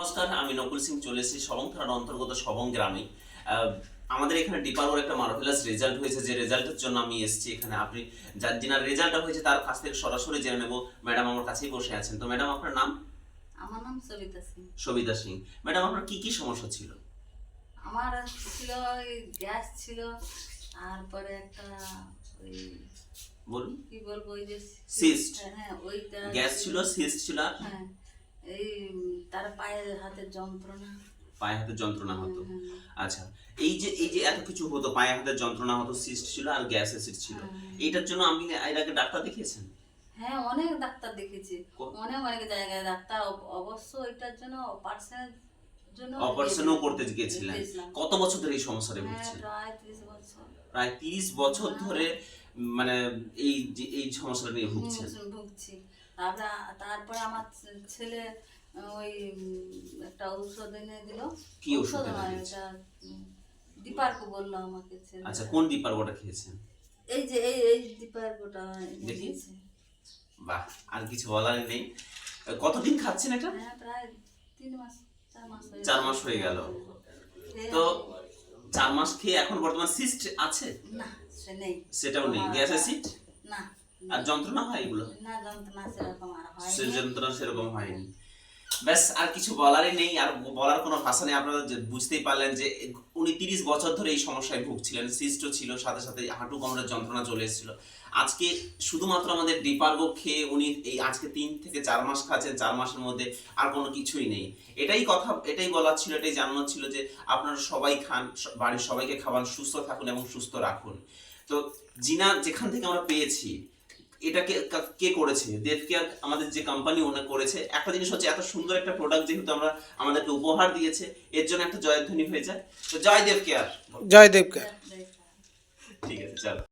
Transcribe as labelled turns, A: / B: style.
A: নমস্কার, আমি নকুল সিং চলে এসেছি সবং থানার অন্তর্গত সবং গ্রামে। আমাদের এখানে ডিপার্গোর একটা মার্ভেলাস রেজাল্ট হয়েছে, যে রেজাল্টের জন্য আমি এসেছি এখানে। আপনি যিনার রেজাল্টটা হয়েছে তার কাছ থেকে সরাসরি জেনে নেব। ম্যাডাম আমার কাছেই বসে আছেন। তো ম্যাডাম, আপনার নাম?
B: আমার নাম সবিতা সিং।
A: সবিতা সিং। ম্যাডাম, আপনার কি কি সমস্যা ছিল?
B: আমার ছিল ওই গ্যাস ছিল, তারপরে একটা ওই
A: বলুন।
B: কি বলবো, ওই যে
A: সিস্ট।
B: হ্যাঁ ওইটা
A: গ্যাস ছিল, সিস্ট ছিল, আর
B: হ্যাঁ এই তার পায়ের হাতের যন্ত্রণা।
A: পায়ে হাতে যন্ত্রণা হতো।
B: হ্যাঁ,
A: আচ্ছা, এই যে এত কিছু হতো, পায়ে হাতে যন্ত্রণা হতো, সিস্ট ছিল আর গ্যাস অ্যাসিড ছিল, এইটার জন্য আপনি এর আগে ডাক্তার দেখিয়েছেন?
B: হ্যাঁ অনেক ডাক্তার দেখেছি,
A: কো-
B: অনেক অনেক জায়গায় ডাক্তার। অবশ্য এটার জন্য অপারেশনের জন্য
A: অপারেশনও করতে গিয়েছিলেন?
B: গেছিলাম।
A: কত বছর ধরে এই সমস্যাটা
B: হ্যাঁ
A: ভুগছেন?
B: প্রায় 30 বছর।
A: প্রায় 30 বছর ধরে মানে এই সমস্যাটা নিয়ে ভুগছেন?
B: ভুগছি। তারপরে আমার ছেলে ওই একটা ঔষধ এনে দিল।
A: কি ওষুধ এনে
B: নয়,
A: দিয়েছে?
B: এটা দীপার্কো বললো আমাকে ছেলে।
A: আচ্ছা, কোন ডিপার্গোটা খেয়েছেন?
B: এই যে এই দীপার্কোটা এনে
A: দেখি।
B: দিয়েছে।
A: বাহ, আর কিছু বলার নেই। কতদিন খাচ্ছেন এটা?
B: হ্যাঁ প্রায় 3 মাস 4 মাস
A: 4 মাস হয়ে গেল। তো 4 মাস খেয়ে এখন বর্তমান সিস্ট আছে?
B: না সে নেই।
A: সেটাও নেই। গ্যাস অ্যাসিড
B: না।
A: আর যন্ত্রণা হয় এগুলো?
B: না যন্ত্রণা সেরকম আর হয়
A: সে যন্ত্রণা সেরকম হয়নি। ব্যাস, আর কিছু বলারই নেই, আর বলার কোনো ভাষা নেই। আপনারা বুঝতেই পারলেন যে উনি 30 বছর ধরে এই সমস্যায় ভুগছিলেন। সিস্টও ছিল, সাথে সাথে হাঁটু কোমরের যন্ত্রণা চলে এসেছিল। আজকে শুধুমাত্র আমাদের ডিপার্গো খেয়ে উনি এই আজকে 3 থেকে 4 মাস খাচ্ছেন। 4 মাসের মধ্যে আর কোনো কিছুই নেই। এটাই বলার ছিল, এটাই জানানোর ছিল যে আপনারা সবাই খান, বাড়ির সবাইকে খাওয়ান, সুস্থ থাকুন এবং সুস্থ রাখুন। তো যেখান থেকে আমরা পেয়েছি, এটাকে কে করেছে? দেব কেয়ার, আমাদের যে কোম্পানি ওনা করেছে। একটা জিনিস হচ্ছে, এত সুন্দর একটা প্রোডাক্ট যেহেতু আমাদেরকে উপহার দিয়েছে, এর জন্য একটা জয়ধ্বনি হয়ে যায়। তো জয় দেব কেয়ার।
C: জয় দেবকে।
B: দেখা।
A: ঠিক আছে, চলো।